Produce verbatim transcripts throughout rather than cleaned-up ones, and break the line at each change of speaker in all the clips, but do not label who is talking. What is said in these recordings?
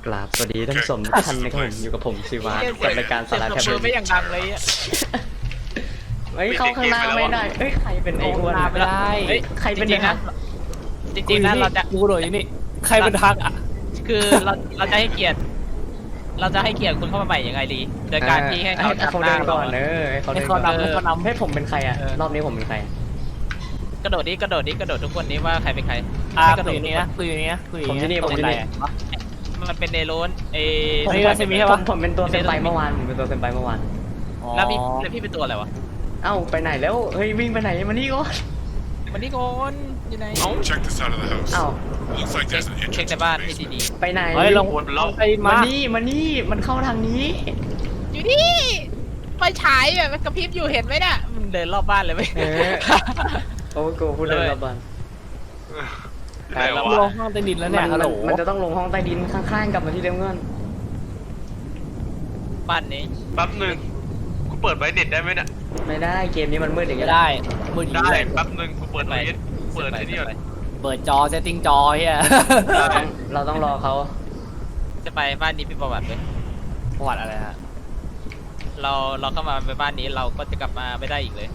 กราบสวัสดีท่านผู้ชมทุกท่านนะครับผมอยู่กับผมชิวากับรายการสาระแทบ
มือไม่อย่างดังเลยอ่ะ
เฮ้ยเข้าข้างหน้าไม่ได้เฮ้ยใครเป็นไอ้อ้วน
ไม่ได้
เฮ้ยใครเป็น
จริงๆ
นะ
นะจริงๆนะเราจะ
กูโดดอยู่นี่ใครเป็นทักอ่ะ
คือเราเราจะให้เกียรติ เราจะให้เกียรติคุณเข้ามาใหม่ยังไงดีโดยการที่ให้เขา
ให้เขาเดินก่อนเออให้เขา
ให้
เดิน
เขา
ก่อน
นำให้เขานำ
ให้ผมเป็นใครอะรอบนี้ผมเป็นใคร
กระโดดนี้กระโดดนี้กระโดดทุกคนนี้ว่าใครเป็นใคร
อ่ะ
ให้กระ
คุ
โด
ย
ด
อยู่นี่นะคุยอยู่นี่นะคุยอยู่
ผมที่นี่
นี่
ผมที่นี่
มันเป็นเนโรนเอ
นี่ก็จะมีใช่
ผ
ปะ
มผมเป็นตัวเซนไปเมื่อวานผมเป็นตัวเซนไปเมื่อวาน
แล้วพี่แล้วพี่เป็นตัวอะไรวะ
เอ้าไปไหนแล้วเฮ้ยวิ่งไปไหนมานี่ก่อน
มันนี่ก่อนอยู่ไหน
Check this out of the house.
เอ้า
Looks like
เช็ค
there's an
เช็ค
entrance
ใน
to
บ้าน
the
ให้
basement.
ดี
ไปไหน
เฮ้ยลงลงไป
มา
มา
นี่มานี่มันเข้าทางนี้
ๆอยู่นี่ไฟฉายแบบมันกระพริบอยู่เห็นไหมเนี่ยมันเดินรอบบ้านเลยไหม
เออโอ้โหพูดเลยรอบบ้าน
ไหน
ล
วะ
งห้องใต้ดินแล้วเนี่ย
มั
ฮัลโหล
มันจะต้องลงห้องใต้ดินข้างๆกลับมาที่เดิมเงิน
บ้านนี้
แป๊บหนึ่งกูเปิดไว้เน็ตได้ไหมเนี่ย
ไม่ได้เกมนี้มันมืดอย่างเงี้ย
ได้มือถือ
ได้
เลย
แป๊บหนึ่งกูเปิดไว้เปิดไอ้นี่ก่อน
เปิดจอเซตติ้งจอเฮีย
เราต้องเราต้องรอเขา
จะไปบ้านนี้พี่ประวัติเลย
ประวัติอะไรฮะ
เราเราเข้ามาไปบ้านนี้เราก็จะกลับมาไม่ได้อีกเลย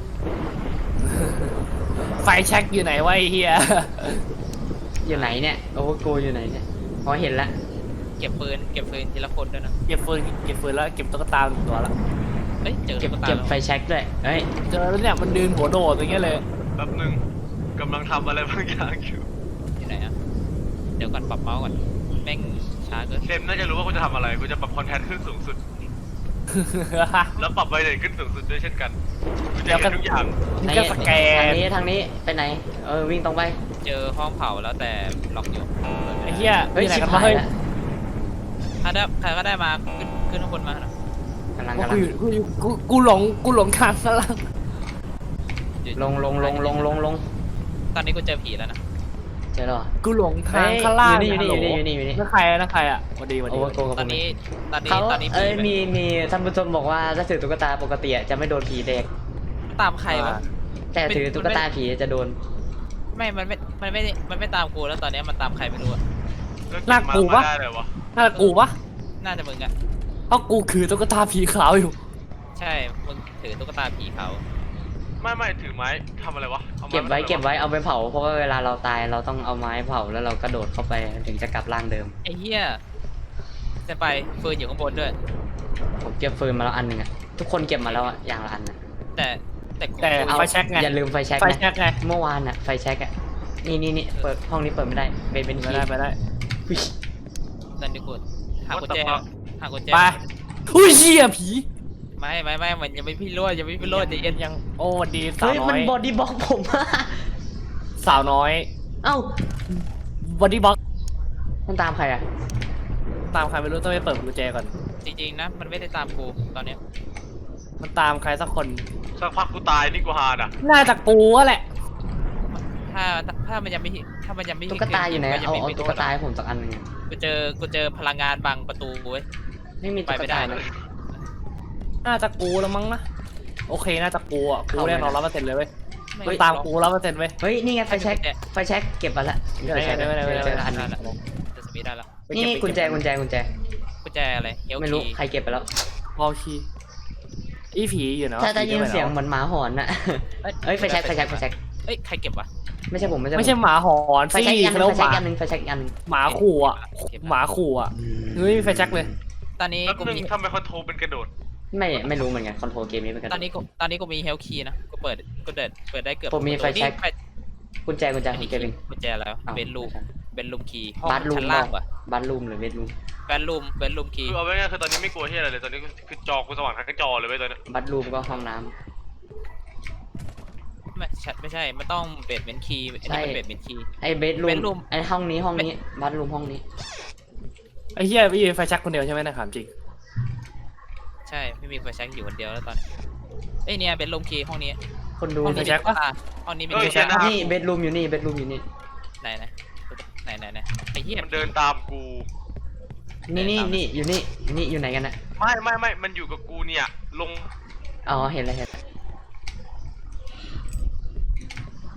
ไฟแช็กอยู่ไหนวะไอ้เฮีย
อยู่ไหนเนี่ยโอ้โหกูอยู่ไหนเนี่ยพอเห็นละ
เก็บปืนเก็บปืนทีละคนด้วยนะ
เก็บฟืนเก็บฟืนแล้วเก็บตุ๊กตาหนึ่งตัวละ
เฮ้ยเจอ
เก็บ
ตุ๊กตา
เก็บ
แล้ว
ไฟแช็กด้วยเอ้ย
เจอแล้วเนี่ยมันดืนหัวโดดอย่างเงี้ยเลย
แป๊บหนึ่งกำลังทำอะไรบางอย่างอยู่
อยู่ไหนอะเดี๋ยวก่อนปรับเมาส์ก่อนแม่งช้าเกิน
เซมน่าจะรู้ว่ากูจะทำอะไรกูจะปรับคอนแทคขึ้นสูงสุด แล้วปรับไวเลทขึ้นสูงสุดด้วยเช่นกันกูจะเห็นทุกอย่าง
นี่ก็สแก
ทาน งนี้ทางนี้ไปไหนเออวิ่งตรงไป
เจอห้องเผาแล้วแต่ล็อกอยู่
ไอ้เฮีย
เฮ้ย
มีไหน
ชิบ
กัน
หา
วะเฮ้ย
ยละ
ถ้าได้ใครก็ได้มาขึ้นขึ้นข้างบนมาหน่อย
กำลัง
กู
กำลัง
อยู่กูอยู่กูกูหลงกูหลงทางซะแล้ว
อยู่
ลงลงลงลงลงลง
ตอนนี้กูเจอผีแล้วนะ
เจอแล้วเหรอ
กูหลงทาง
เฮ้ย
ข้างล่าง
อยู่นี่อยู่นี่อยู่นี่อยู่นี่
นั่นใครอะนั่นใครอ่ะสวัสดีสวัส
โอ้
ดี
โหโกกับ
ต
ผ
อน
ม
นี้ตอนนี้
เขา
ตอนนี้
เอ้ย
ผี
มีมีท่านผู้ชมบอกว่าถ้าถือตุ๊กตาปกติอะจะไม่โดนผีเด็ก
ตามใครวะ
แต่ถือตุ๊กตาผีจะโดน
ไม่มันไม่มันไม่มันไม่ตามกูแล้วตอนนี้มันตามใครไม่รู้อะ
น่ากลัวปะ
ได้เลยวะ
น่ากูปะ
น่าจะมึงอะ
เพราะกูคือตุ๊กตาผีขาวอยู่
ใช่มึงถือตุ๊กตาผีเขา
ไม่ไม่ถือไม้ทำอะไรวะอาม้
เก็บไว้
มาทำอะร
เก็บไว้เอาไปเผาเพราะว่าเวลาเราตายเราต้องเอาไม้เผาแล้วเรากระโดดเข้าไปถึงจะกลับร่างเดิม
ไอ้เหี้ยจะไปฟืนอยู่ข้างบนด้วย
ผมเก็บฟืนมาแล้วอันหนึ่งอะทุกคนเก็บมาแล้วอะอย่างละอันนะ
แต่แต่กู
แต่
เอา
ไฟแช็กไง
อย่าลืมไฟแช็ก
ไฟ
นะ
แช็กไง
เมื่อวานอะไฟแช็กอะนี่นี่นี่เปิดห้องนี้เปิดไม่ได้เป็นเป็น
ไป
คี
ได้
ย์
ไปได้
อุ๊ย
นั่นดิกูหากุญแจหากุญแจ
ไปอุ้ยเหี้ยผี
ไม่ไม่ไม่มันยังไม่พี่รวดยังไม่พี่รวดใจเย็น
ยังโอ้สวัสดีสาว
เฮ้ย
น้
มั
อน ย
บอดี้บล็อกผมอะ
สาวน้อย
เอ้า
บอดี้บ็อก
มันตามใครอะ
ตามใครไม่รู้ต้องไปเปิดกุญแจก่อน
จริงๆนะมันไม่ได้ตามกูตอนเนี้ย
มันตามใครสักคน
สักพักกูตายนี่กูฮาอ่ะ
น่าจะกูอะแหละ
ถ้าถ้ามันยังไม่ถ้ามันยังไม่
ตุ๊กตาอยู่ไหน
มั
เอา
งม่
เอา
มี
ตุ๊กตาให้ผมสักอันหนึ่งอะ
กูเจอกูเจอพลังงานบังประตูเว้ย
ไม่มีตุ๊ก
ไปไม่ได้
ตา
เล
เลย ย
น่าจะกูแล้วมั้งนะโอเคน่าจะกูอ่ะกู
เข้าไป
แน่นอนร้อยเปอร์เซ็นต์เลยเว้ย
ไม่
มันตามกูร้อยเปอร์เซ็นต์เว้ย
เฮ้ยนี่ไงไฟแช็กไฟแช็กเก็บมาละมีไฟแช็ก
ได้ได้ได้ได้
เจออันหนึง
จะสปีดได้แล้ว
นี่นี่กุญแจกุญแจกุญแจ
กุญแจอะไรเฮล
ไม่รู้
คี
ใครเก็บไปแล้ว
พอคีอีผีอยู่เนาะ
ถ้าได้ยินเสียงเหมือนหมาหอนน่ะเอ้ยไฟแช็กไฟแช็กไฟแช็ก
เอ้ยใครเก็บวะ
ไม่ใช่ผมไม่ใช่
ไม่ใช่หมาหอน
ไฟ
สิ
แช็กอันหนึ
แล้
ง
ว
ไฟ
ห
แช็ก
มา
อันหนึงไฟแช็กอันหนึง
หมาขู่อ่ะหมาขู่อ่ะเฮ้ยไฟแช็กเลย
ตอนนี้
แป๊บ
กู
หนึ่ง
มี
ทำไมคอนโทรลเป็นกระโดด
ไม่ไม่รู้เหมือนกันคอนโทรลเกมนี้เหมือนกัน
ตอนนี้กูตอนนี้กูมีเฮลคีนะกูเปิดกูเดินเปิดได้เกือบ
ผมมีไฟแช็ก
นี่
กุญแจกุญแจของเกมเอง
กุญแจแล้ว
อ้าว
เบนรูมเบนรูมคีย์ห้อง
บาร์รูม
ชั้นล่างวะ
บาร์รูมหรือเบดรูม
เบนรูมเบนรูมคี
คือเอาไว้ง่ายคือตอนนี้ไม่กลัวที่อะไรเลยตอนนี้คือจอกูสว่างทั้งจอเลยเว้ยตอนนี้
บาร์รูมก็ห้องน้ำ
ไม่ใช่ไม่ใช่ไม่ต้องเบดเมนคีย์อันนี้เป็นเบดเมนคีย์
ไอ้เบดรูม
bedroom
ไอ้ห้องนี้ห้องนี้บาร์รูมห้องนี้
ไอ้เหี้ยพี่ไฟแช็กคนเดียวใช่ไหมนะถามจริง
ใช่ไม่มีไฟแช็กอยู่คนเดียวแล้วตอนนี้เอ้ยเนี่ยเบนรูมคีย์ห้องนี้
คนดู
ห้องนี้
ไฟแช็กปะ
อ่ห้องนี้มี
เอ้ย
ไฟแช็ก
แค่นั้น
นี่เบดรูมอยู่นี่เบดรูมอยู่นี่
ไหนไหนไหนไหนไหนไอ้เหี้ย
มันเดินตามกู
นี่นี่นี่อยู่นี่นี่อยู่ไหนกันนะ
ไม่ไม่ไม่มันอยู่กับกูเนี่ยลง
อ๋อเห็นแล้วเห็นแล้ว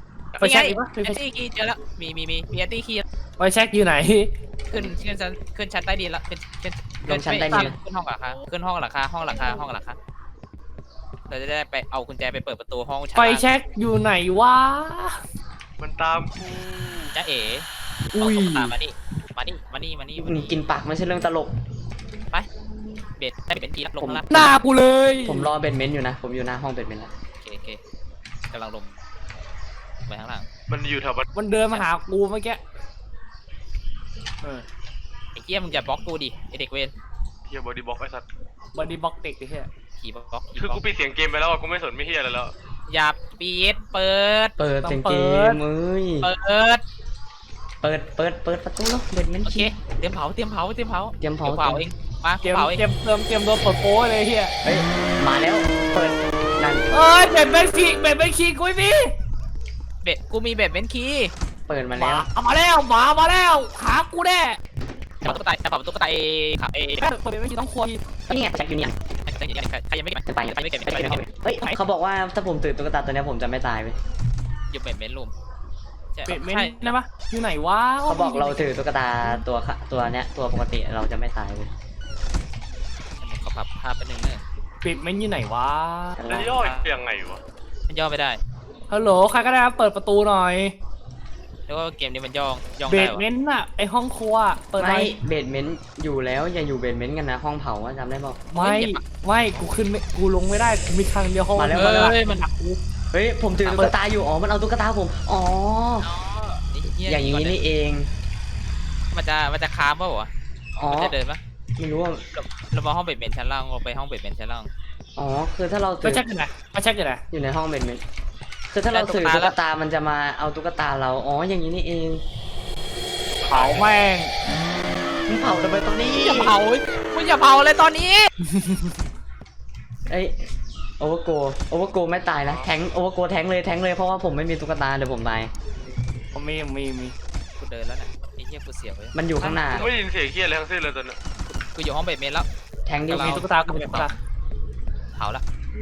ไปเช็คอีกปะ
แอนตี้คีย์เจอแล้วมีมีมีมีแอนตี้คีย์
ไปเช็คอยู่ไหน
ขึ้นขึ้นชั้นขึ้นชั้นใต้ดินแล้วขึ้นขึ้น
ลงชั้นใต้ดิน
ขึ้นห้องหลังคาขึ้นห้องหลังคาห้องหลังคาห้องหลังคาเราจะได้ไปเอากุญแจไปเปิดประตูห้องชั้น
ไปเช็คอยู่ไหนวะ
มันตามกู
จ้าเอ๋
อุ้ย
เอาตุ๊กตามานี่มานี่มานี่มานี่มานี่
กินปากไม่ใช่เรื่องตลก
ไปเบ็ดได้เป็นกีรับลง
ผม
ข้างล่าง
หน้ากูเลย
ผมรอเบดเมนต์อยู่นะ ผมอยู่หน้าห้องเบดเมนต์แล้ว
โอเคโอเคกำลังลงไปข้างล่าง
มันอยู่แถวบัน
มันเดินมาหากูเมื่อกี้เออ
ไอ้เกี้ยมึงอย่าบล็อกกูดิไอเด็กเวร
เฮียบอดี้บล็อกไอ้สัตว์
บอดี้บล็อกเด็กไอ้เหี้ย
ขี่บล็อกขี่
คือบ
ล็อ
กู
ก
ปิดเสียงเกมไปแล้วอะกูไม่สนไม่เฮียอะไรแล้ว
อย่าปิดเปิด
เปิดเสียงเกมเอ้ย
เปิด
เปิด เปิด เปิดประตูแล้วเบดเมนต์
โอเคเตรียมเผาเตรียมเผาเตรียมเผา
เตรียมเผา
เผาเองมา
เตรียม
เผาเอง
เตรียมเตรียมเตรียมโดนเปิดโป้เลยไอ้เหี้ย
เฮ้ย มาแล้ว เปิด นั่น
เอ้ยเบ็ดเป็นขี้เบ็ดเป็นขี้กูไม่มี
เบ็ดกูมีเบ็ดเบนคีย์
เปิดมา
ห
แล้
มาว เอามาแล้วหมามาแล้วหากูแน่
เผาตุ๊กตาเผาตุ๊กตาเอค่ะเอ
แม่เปิดเป็นขี้ต้องควร
นี่ไงแจ็คอยู่เนี่ย
ใครยังไม่เก็บ
จะไป
ใครไม่เก็บ
ไป
ใคร
ใน
ไม่
ห้อง
เก็บ
เฮ้ย เขาบอกว่าถ้าผมตื่นตุ๊กตาตัวเนี้ยผมจะไม่ตายไป
อยู่เบ็ดเบนรูม
เบ็ดเม้น
ใช่
นะปะอยู่ไหนวะ
เขาบอกเราถือตุ๊กตาตัวค่ะตัวเนี้ยตัวปกติเราจะไม่ตายไป
ขอปรับภาพไปหนึ่งเนอะ
เบ็ดเม้นอยู่ไหนวะ
แล้วย่อยยังไงวะ
มันย่อไม่ได้
ฮัลโหลใครก็ได้ครับเปิดประตูหน่อย
แล้วก็เกมนี้มันย่องย่อง
เบ็
ได้
ด
วะ
เม้นน่ะไอห้องครัวเปิดหน่
ไม่
อย
เบดเมนต์อยู่แล้วอย่าอยู่เบดเมนต์กันนะห้องเผาอะจำได้บอก
ไม่ไม่กูขึ้นไม่กูลงไม่ได้กูมีทางเดียวห้อง
มาแล้ว
เดีย
เฮ้ยมัน
หักกู
เฮ้ยผมถือตุ๊กตาอยู่อ๋อมันเอาตุ๊กตาผมอ๋อ
เหี้
อย่างนี้นี่เอง
มันจะมันจะค้ามป่าวะ
อ๋อ
มันจะเดินปะ
ไม่รู้ว่า
เรามาห้องเบ็ดเบนชั้นล่างเราไปห้องเบ็ดเบนชั้นล่าง
อ๋อคือถ้าเรา
ไป
ถือ
เช็คกันไหนไปเช็คกันไหน
อยู่ในห้องเบดเมนต์คือถ้าเราถือตุ๊กตามันจะมาเอาตุ๊กตาเราอ๋ออย่างนี้นี่เอง
เผาแม่ง
มึงเผาทำไมตรงนี้
อย่าเผามึงอย่าเผาเลยตอนนี้
เอ้ยโอเวอร์โกโอเวอร์โกไม่ตายนะแทงโอเวอร์โกแทงเลยแทงเลยเพราะว่าผมไม่มีตุ๊กตาเดี๋ยวผมตาย
ผมมีมีมี
กูเดินแล้วนะไอ้เหี้ยกูเสียวเลย
มันอยู่ข้างหน้า
กูไม่ได้ยินเสียงเฮียอะไรทั้งสิ้นเลยตอนนี้
กูอยู่ห้องเบ็ดเบนแล้ว
แทงดิ
มีตุ๊กตากูมีตุ๊กตา
เผาละ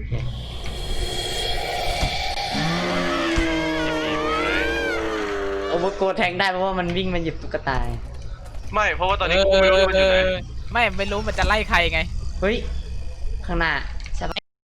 ผีมึงอยู่ไหน
โอเวอร์โกแทงได้เพราะว่ามันวิ่งมาหยิบตุ๊กตา
ไม่เพราะว่าตอนนี้กูไม่รู้มันอยู่ไหน
ไม่ไม่รู้มันจะไล่ใครไง
เฮ้ยข้างหน้าใช่ปะ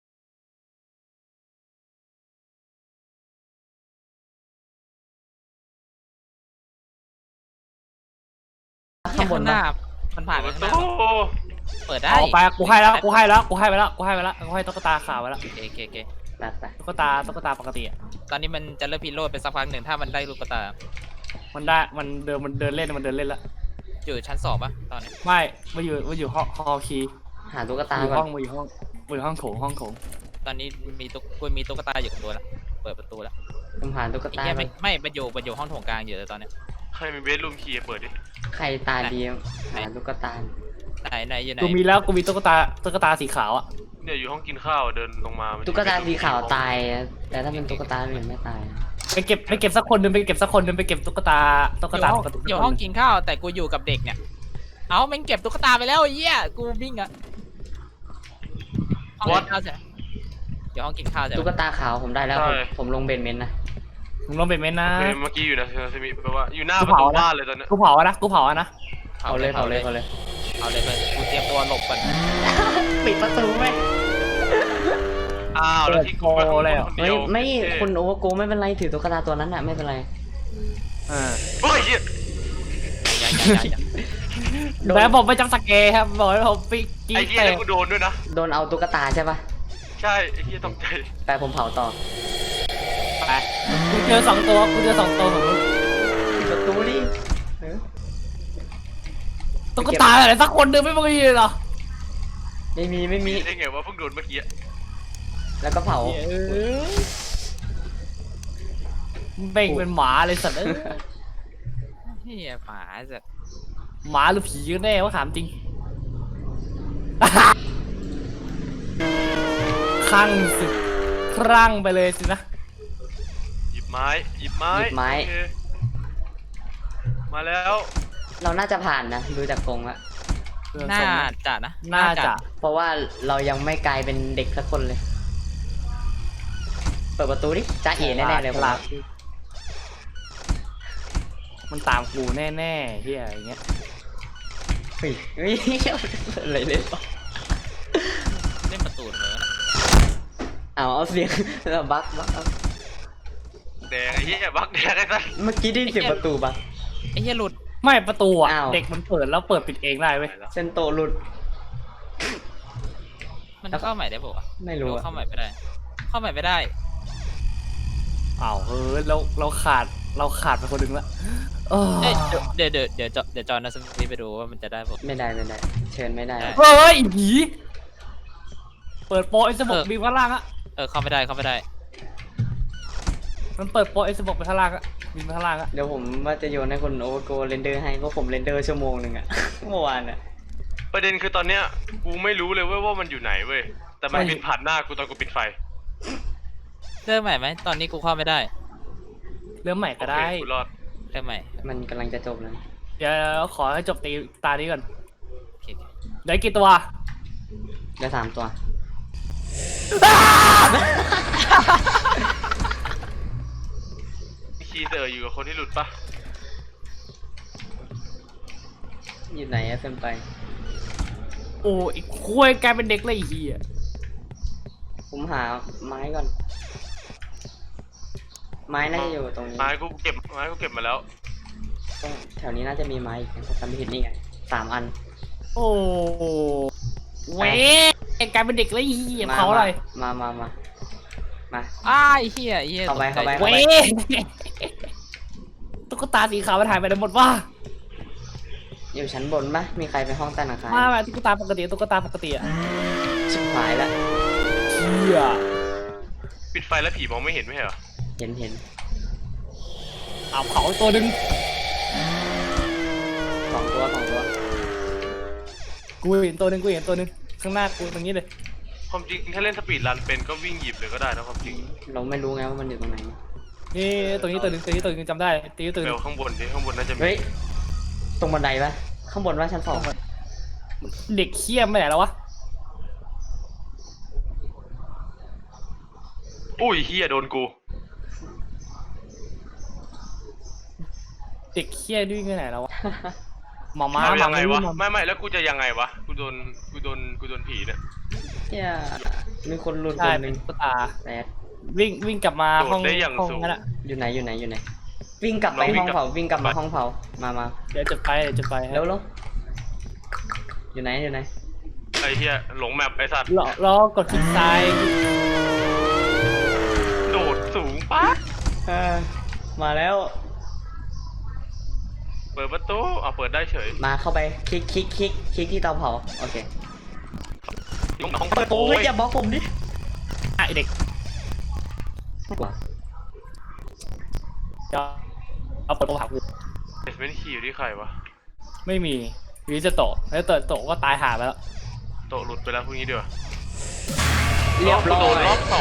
ข้างบน
ห
ปะ
น้ามันผ่าน
เปิด
ไป
ประ
ข้างห
ตู
น้าเปิดได้
เอาไปกูให้แล้วกูให้แล้วกูให้ไปแล้วกูให้ไปแล้วกูให้ตุ๊กตาขาวไปแล้ว
โอเคโอเคโอเค
ไปไป
ตุ๊กตาตุ๊กตาปกติอ่ะ
ตอนนี้มันจะเริ่มพิโรดไปสักพักหนึ่งถ้ามันได้ลูกตา
มันได้มันเดินมันเดินเล่นมันเดินเล่นแล้ว
อยู่ชั้นสองปะตอนนี้
ไม่มาอยู่มาอยู่ห้องฮอลคี
หาตุ๊กตา
อยู่
ก่
ห้
อ
อน งมาอยู่ห้องมาอยู่ห้องโถงห้องโถง
ตอนนี้มีตุ๊กกูมีตุ๊กตาอยู่กับตัวแล้วเปิดประตูแล้ว
ผมหาตุ๊ก
ไอ้
ตา
เหี้ย
ก่อ
ไม่
น
ไม่มันอยู่มันอยู่ห้องโถงกลางอยู่เลยตอนเนี้ย
ใครมีเบสรูมคีย์เปิดดิ
ใครตาดีหาตุ๊กตา
ไหนไหนอยู่ไหน
กูมีแล้วกูมีตุ๊กตาตุ๊กตาสีขาวอ่ะ
เนี่ยอยู่ห้องกินข้าวเดินลงมามัน
ตุ๊กตาสีขาวตายอะแต่ถ้าเป็นตุ๊กตาอื่นไม่ตาย
ไปเก็บไปเก็บสักคนหนึงไปเก็บสักคนหนึงไปเก็บตุ๊กตาตุ๊ก
อยู่
ตา
ห้อง
ปกติ
อยู่ห้องกินข้าวแต่กูอยู่กับเด็กเนี่ยเอาแม่งเก็บตุ๊กตาไปแล้วไอ้เหี้ยกูวิ่งอะห้องกินข้าวใช่ไหมอยู่ห้องกินข้าวใช่ไหม
ตุ๊กตาขาวผมได้แล้วผมผมลงเบนเมนต์นะ
มึงลองเป็นเมนนะ
เฮ้ยเมื่อกี้อยู่นะเซมิแปลว่าอยู่หน้า
กู
ประ
เผา
ตู
นะ
บ้านเลยตอนนี้
กูเผาอะนะกูเผาอะนะ
เอาเลยเอาเลยเอาเลย
เอาเลยเพื่อนกูเตรียมตัวหลบก่อน
ปิดประตูไหม
อ้าวแล้วที่กูไปข้างบนคน
เฮ้
เดี
ย
ยว
ไม่คุณโอเวอร์โกไม่เป็นไรถือตุ๊กตาตัวนั้นอะไม่เป็นไร
เออ
เฮ้ยเหี้ย
อย่าอย่าอย่าอย่า
โดน
แล้วผมไปจับสเกย์ครับบอกให้ผมปีกี
ไอ้เหี้ย
เตะ
แล้วกูโดนด้วยนะ
โดนเอาตุ๊กตาใช่ปะ
ใช่ไอ้เหี้ยตกใจ
ไปผมเผาต่อ
ไปกูเจอสองตัวกูเจอสองตัวของมึง
ปิดประตูดิเออ
ตุ๊กตาอะไรสักคนหนึงไม่มีเลยเหรอ
ไม่มีไม่มี
ได้ไงว่าเพิ่งโดนเมื่อกี้
แล้วก็เผา
เออเบ่งเป็นหมาเลยสัตว์เอ้ย
เฮียหมาจะ
หมาหรือผีกันแน่วะถามจริง คลั่งสิคลั่งไปเลยสินะ
หยิบไม้หยิบไม้
หยิบไม้
โอเคมาแล้ว
เราน่าจะผ่านนะดูจากกรงละ
น่าจะนะ
น่าจะ
เพราะว่าเรายังไม่กลายเป็นเด็กสักคนเลย เปิดประตูดิจ้าเอ๋แน่ๆเลยผม
ลา
ว่า
มันตามกูแน่ๆเฮียอย่างเงี้ย
เฮ้ยเฮ้ยอะไรเล่นวะ
เล่นประตูเหรอ
เอาเอาเสียงแล้วบักบักเอา
แดงไอ้เหี้ยบักแดงไอ้สัส
เมื่อกี้ได้ยินเสียงประตูบัก
ไอ้เหี้ยหลุด
ไม่ประตูอ่ะ
อ้าว
เด็กมันเปิดแล้วเปิดปิดเองได้เว้ย
เซนโตหลุด
มันเข้าใหม่ได้ปะวะ
ไม่
หรือ
รู้
ว่า
อะ
เข้าใหม่ไม่ได้ เข้าใหม่ไม่ได้
อ้าวเฮ้ยเราเราขาดเราขาดไปคนหนึ่งละเออ
เอ้ยเดี๋ยวเดี๋ยวเดี๋ยวเดี๋ยวเดี๋ยวจอห์นนะสมิธไปดูว่ามันจะได้ปะ
ไม่ได้ไม่ได้ เชิญไม่ได้
ได้
เฮ้ยอีผีเปิดโปรไอ้สมบ
เออ
บีข้างล่างอะ
เออเข้าไม่ได้เข้าไม่ได้
มันเปิดโปรไอ้สมบไปข้างล่างอะบินไปข้างล่างอะ
เดี๋ยวผมว่าจะโยนให้คนโอเวอร์โกเรนเดอร์ให้เพราะผมเรนเดอร์ชั่วโมงหนึ่งอะ เมื่อวานอะ
ประเด็นคือตอนเนี้ยกูไม่รู้เลยเว้ยว่ามันอยู่ไหนเว้ยแต่มัน
ไม่
บินผ่านหน้ากูตอนกูปิดไฟ
เริ่มใหม่ไหมตอนนี้กูเข้าไม่ได้
เริ่มใหม่ก็ได้
โอเคกูรอด
เริ่มใหม่
มันกำลังจะจบแล้ว
เดี๋ยวขอให้จบตีตานี้ก่อน
โอเคโอเค
ได้กี่ตัว
เดี๋ยวสามตัว
คีเตอร์อยู่กับคนที่หลุดปะ
อยู่ไหนอะเฟมไป
โอ้ยคุยกลายเป็นเด็กเลยไอ้เฮีย
ผมหาไม้ก่อน ไม้น่าจะอยู่ตรงนี้
ไม้กูเก็บไม้กูเก็บมาแล้ว
ตรงแถวนี้น่าจะมีไม้อีกนะถ้าจำไม่ผิดนี่ไงสามอัน
โอ้เว้ยกลายเป็นเด็กเลยไอ้เฮีย
มา
เผาอะไร
มามามามา
อ้ายเฮียเฮีย
เข้าไป
ตกใจ
เข้าไป
เว้ยตุ๊กตาสีขาวมันหายไปไหนหมดวะ
อยู่ชั้นบนปะมีใครไปห้องใต้หลังคา
มาแบบตุ๊กตาปกติตุ๊กตาปกติอะ
ชิบหายแล้ว
เฮีย
ปิดไฟแล้วผีมองไม่เห็นไม่ใช่เหรอ
เห็นเห็น
เอาเผาอีกตัวหนึ่ง
สองตัวสองตัว
กูเห็นตัวหนึ่งกูเห็นตัวหนึ่งข้างหน้ากูตรงนี้เลย
ความจริงถ้าเล่นสปีดรันเป็นก็วิ่งหยิบเลยก็ได้นะความจริง
เราไม่รู้ไงว่ามันอยู่ตรงไหน
นี่ตัวนี้ตัวหนึ่งตัวนี้ตัวหนึ่งจำได้ตัวนี้ตัวห
เบ
นึ่
ล
ง
ข้างบนดิข้างบนน่าจะมี
เฮ้ย ตรงบันไดปะข้างบนว่าชั้นสอง
เด็กเขี้ยมไปไหนแล้ววะ
อุ้ยเฮียโดนกู
เด็กเขี้ยด้วยไปไหนแล้ววะหมาม้า
เอา
หมา
ยังไงวะ
ม้า
ไม่ไม่แล้วกูจะยังไงวะกูโดนกูโดนกูโดนผีเนี่ย
เนี่ยมีคนหลุดค
ใช่
นห
เป็
นึ่
น
ง
ตุ๊กตา
แปด
วิ่งวิ่งกลับมา
โดด
ห้อง
ได้อย่าง
ห้อง
สูง
นั่นแหละ
อยู่ไหนอยู่ไหนอยู่ไหน วิ่งกลับไป
เราวิ่
ห้อง ง
กลับ
เผาวิ่งกลับมาห้องเผามามา
เดี๋ยวจุดไฟเดี๋ยวจุดไฟให้
เร็วเร็วอยู่ไหนอยู่ไหน
ไอ้เฮียหลงแมปไอ้สัตว์
รอรอกดคลิกซ้าย
โดดสูงปะ
เออมาแล้ว
เปิดประตูอ่ะเปิดได้เฉย
มาเข้าไปคลิกคลิกคลิกคลิกที่เตาเผาโอเค
ห้องห้อง
เปิดโอ้ยอย่าบล็อกผมดิ
อ่ะไอ้เด็กจะเอาเปิดตัวหากู
เบสเมนต์คีย์อยู่ที่ใครวะ
ไม่มีวิจะโตะแล้วโตะโตะก็ตายหาไปแล้ว
โตะหลุดไปแล้วพวกนี้เดี๋ยว
เรียบร้อ
โดนร
ย
อบสอง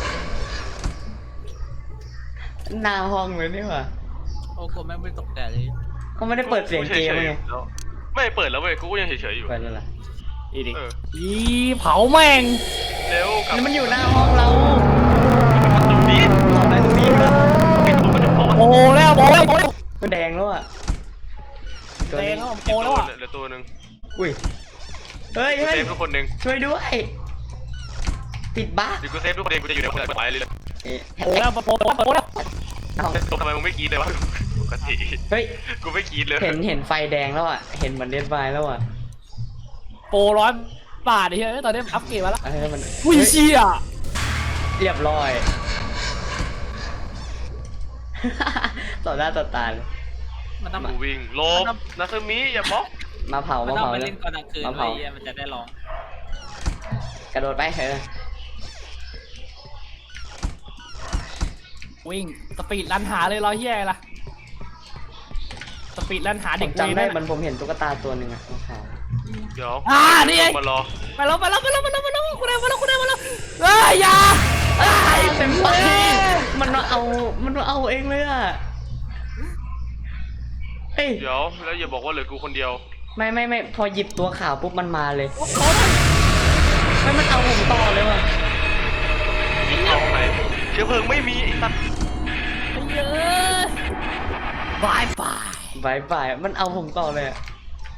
หน้าห้องเลยนี่หว่า
โอ้โหแม่งไม่ตกใจเลย
เขาไม่ได้เปิดเสียงเกม
ฉ
ไง
ๆแล้วไม่เปิดแล้วเว้ยกูก็ยังเฉยๆอยู่
เปิดแล้วเหรอ
อีเด็ก
เออ
อีเผาแม่ง
เร็วกลับ
นี่มันอยู่หน้าห้องเรา
ตรงนี้
ต่อไปตรงนี้ด้วย
ปิดผมมันจะพอ
โอ้แล้วโอ้แล้วโอ้แล้ว
มันแดงแล้วอ่ะตัว
เตะ
นี้
แล้ว
อี
โอ้
ก
แล้
ตัว ว
อ่ะ
เหลือตัวหนึ่ง
อุ้ยเฮ้ย
กู
เฮ้ย
เซฟทุกคนหนึ่ง
ช่วยด้วยติดบ้า
เดี๋ยวกูเซฟทุกคนเองกูจะอยู่ในคนละไม้เลยเลย
เอ๊ะ
โอ้แล้วโอ้แล้วโอ้แล้ว
เอา
ทำไมมึงไม่กรีดเลยวะปกติ
เฮ้ย
กูไม่กรีดเลย
เห็นเห็นไฟแดงแล้วอ่ะเห็นเหมือนเดดไฟแล้วอ่ะ
โปรร้อยบาทไอ้เหี้ยตอนนี้อัพเกรดมาแล้ว
เอ้ยมัน
อุ้ย
เฮ้ย
เชี่ย
เรียบร้อย ต่อหน้าต่อตาเลย
มันต้อง
กูวิ่งหลบนาซึมิอย่าบล็อก
มาเผา
มัน
มา
ต้อง
เผา
ไป
เล
เล่
ย
นตอนกลางคืน
มา
ไว้
เผา
เหี้ยมันจะได้ร้อง
กระโดดไปเออ
วิ่งสปีดรันหาเลยร้อยเหี้ยล่ะสปีดรันหา
ผ
เด็ก
มจำได้
เวร
มันผมเห็นตุ๊กตาตัวหนึ่งอ่ะมาเผา
เดี๋ยว
อ่านี่ไง
มารอ
ไปแล้วไปแล้วไปแล้วไปแล้วไปแล้วกูได้มาแล้วกูได้มาแล้วเอ้ยอย่าเอ้ย
เต็มไปมันมาเอามันมาเอาเองเลยอ่ะเฮ้ย
เดี๋ยวแล้วอย่าบอกว่าเหลือกูคนเดียว
ไม่ไม่ไม่พอหยิบตัวขาวปุ๊บมันมาเลยไม่มันเอาผมต่อเลยว่ะ
เอาไหนเชื้อเพลิงไม่มีไอ้สัตว์
เยอะบายบาย
บายบายมันเอาผมต่อเลยอะ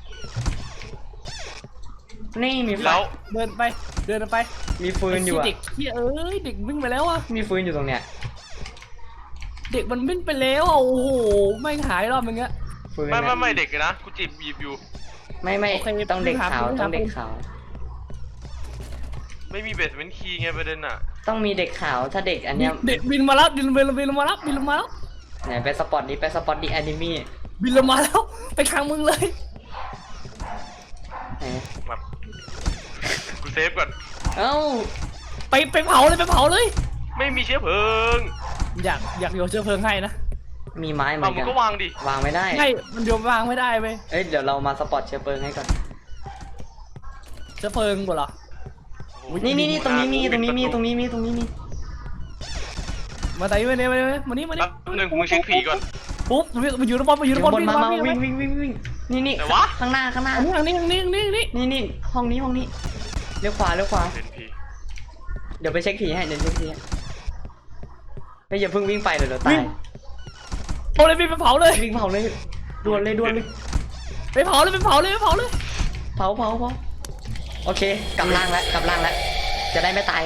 นี่มีไฟ
แล้ว
เดินไปเดินไป
มีฟืนอยู่
ไอ้
อะ
เด็กเฮียเอ้ยเด็กวิ่งไปแล้วอะ
มีฟืนอยู่ตรงเนี้ย
เด็กมันวิ่งไปแล้วอะโอ้โหไม่งหายรอบนึงอะ
ฟืน
ไม่ไม่
อะ
ไม่เด็กนะกูจีบหยิบอยู่
ไม่ไม่
โอเค
ต้องเด็กขาว
ไม่หา
ต้องเด็ก
ไม่หา
ขาว
ไม่มีเบสเมนต์คีย์ไงประเด็นอ่ะ
ต้องมีเด็กขาวถ้าเด็กอันเนี้ย
เด็กบินมาแล้วบินบินบินมาแล้วบินมาแล้ว
ไหนไปสปอตนี้ไปสปอตดีแอนิมี่
บินลงมาแล้วไปทางมึงเลย
ไหน
แบบกูเซฟก่อน
เอ้า
ไปไปเผาเลยไปเผาเลย
ไม่มีเชื้อเพลิง
อยากอยากโยนเชื้อเพลิงให้นะ
มีไม้เหมื
เอา
อน
มึ
กั
ง
น
ก็วางดิ
วางไม่ได้
ใช่มันโยนวางไม่ได้เว้ย
เอ้ยเดี๋ยวเรามาสปอตเชื้อเพลิงให้ก่อน
เชื้อเพลิงกูเหรอ
นี่นี่นี่ตรงนี้มีตรงนี้มีตรงนี้มีตรงนี้มี
มาไหนมาเนี่ยมาเนี่ยมานี่มานี่
แป๊บนึงมึงเช็คผีก่อน
ปุ๊บมาอยู่ในบอลมาอยู่ใน
เดี๋ยว
บอล
บน
วิ่ง
มา
มา
มา
วิ่ง
วิ่งวิ่งวิ่งวิ่งนี่นี่
ไหนวะ
ข้างหน้าข้างหน้า
อันนี้อันนี้อันนี้อันนี้อันนี้
นี่นี่ห้องนี้ห้องนี้เลี้ยวขวาเลี้ยวขวา
เป็นผี
เดี๋ยวไปเช็คผีให้เดี๋ยวเช็คผีให้ไม่อย่าเพิ่งวิ่งไปเดี๋ยวเราตาย
เอาเลยไปเผาเลย
วิ่งเผาเลยด่วนเลยด่วนเลย
ไปเผาเลยไปเผาเลยไปเผาเลย
เผาเผาเผาโอเคกำลังแล้วกำลังแล้วจะได้ไม่ตาย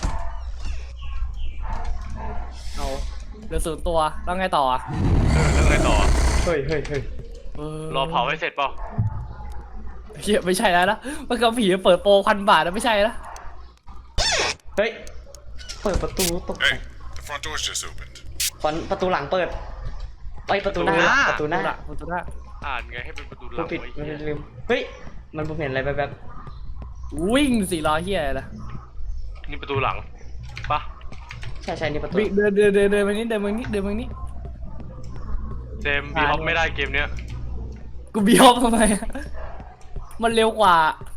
เอาเหลือศูนย์ตัวแล้วไงต่ออ่ะ
เออแล้วไงต่อ
เฮ้ยเฮ้ยเฮ้ย
เออ
รอเผาให้เสร็จเปล่า
เฮียไม่ใช่แล้วนะมันกับผีเปิดโปรพันบาทนะไม่ใช่แล้ว
เฮ้ยเปิดประตูตกใจ
Hey, the front door's just opened.
ฟอนประตูหลังเปิดไปประตูหน้าประตูหน้า
ประตูหน้า
อ่านไงให้เป็นประตูห
กู
ลัง
ปิด
ไว้
ไม่
เหี้ย
ได้ลืมเฮ้ยมันผมเห็นอะไรแบบ
วิ่งสี่ล้อเฮียอะไรนะ
นี่ประตูหลังปะ
ๆใช่ใช่นี่ประตู
วิ่งเดินเดินเดินเดินไปนี้เดินไปนี้เดินไปนี้
เจมส์บีฮอปไม่ได้เกมเนี้ย
กูบีฮอปทำไมอะมันเร็วกว่า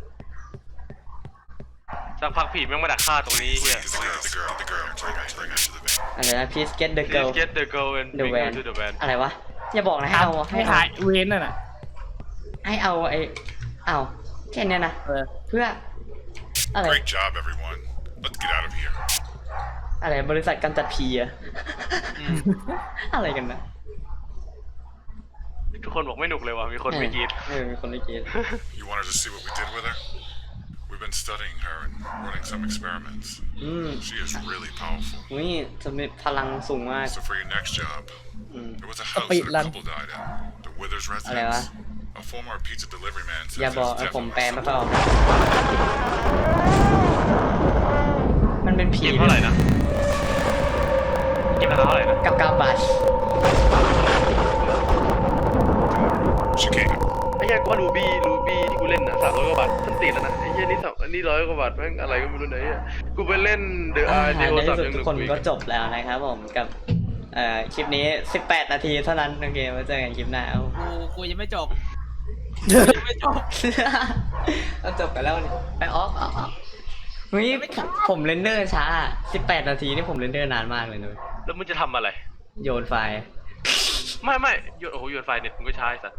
สักพักผีแม่งมาดักฆ่าตรงนี้เฮีย
The girl, the girl, the girl. Take her, take her to the van.
อะไรนะ please get the
Please
girl
get the girl and
the
bring
van
her to the van
อะไรวะอย่าบอกนะให้เอา
ให้
ให้เอา
ถ่ายเวนน่ะนะ
ให้เอาไอ้เอาแค่เนี้ยนะ
เออ
เพื่ออะไร
Great job, everyone. Let's get out of here.
อะไรบริษัทการจัดผีอะ
อืม
อะไรกันนะ
ทุกคนบอกไม่หนุกเลยว่ะมีคนไม่กรีด
เออมีคนไม่กรีด
You wanted to see what we did with her? We've been studying her and running some experiments.
อืม
She is really powerful.
นี่จะมีพลังสูงมาก
So for your next job,
อืม
there was a house
Wait,
that a
Lan.
couple died in. The Withers
อะไรวะ
residence. A former pizza delivery man says
อย่าบอก
there's
เออผม
definitely
แปลไม่ค่อยออก
something.
มันเป็นผี
เกมเท่าไหร่นะเกมราคาเท่าไหร่นะ
กับกาบาช
She came.
ไอ้เหี้ยกูว่ารูบี้รูบี้ที่กูเล่นอ่ะสามร้อยกว่าบาทฉันติดแล้วนะไอ้เหี้ยนี่สามอันนี้ร้อยกว่าบาทแม่งอะไรก็ไม่รู้ไหนอ่ะกูไปเล่นเดอะ
อ่า
อาร์
ใน
ในโทรศัพท์
ที่สุด
ยังห
ทุ
นุ
ก
ก
คน
กว่าอี
ก็
ก
จบแล้วนะครับผมกับเอ่อคลิปนี้สิบแปดนาทีเท่านั้นโอเคมาเจอกันคลิปหน้าเอา
กูกูยังไม่จบกูยังไม่จบ
เราจบกันแล้วนี่ไปออฟออฟออฟเฮ้ยผมผมเรนเดอร์ช้าสิบแปดนาทีนี่ผมเรนเดอร์นานมากเลยนุ้ย
แล้วมึงจะทำอะไร
โยนไฟล์
ไม่ไม่โยนโอ้โหโยนไฟล์เน็ตมึงก็ใช้สัตว์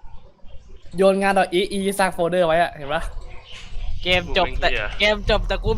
โยนงานดอกอีอีสร้างโฟลเดอร์ไว้อะเห็นปะ
เกมจบแต่เกมจบแต่กู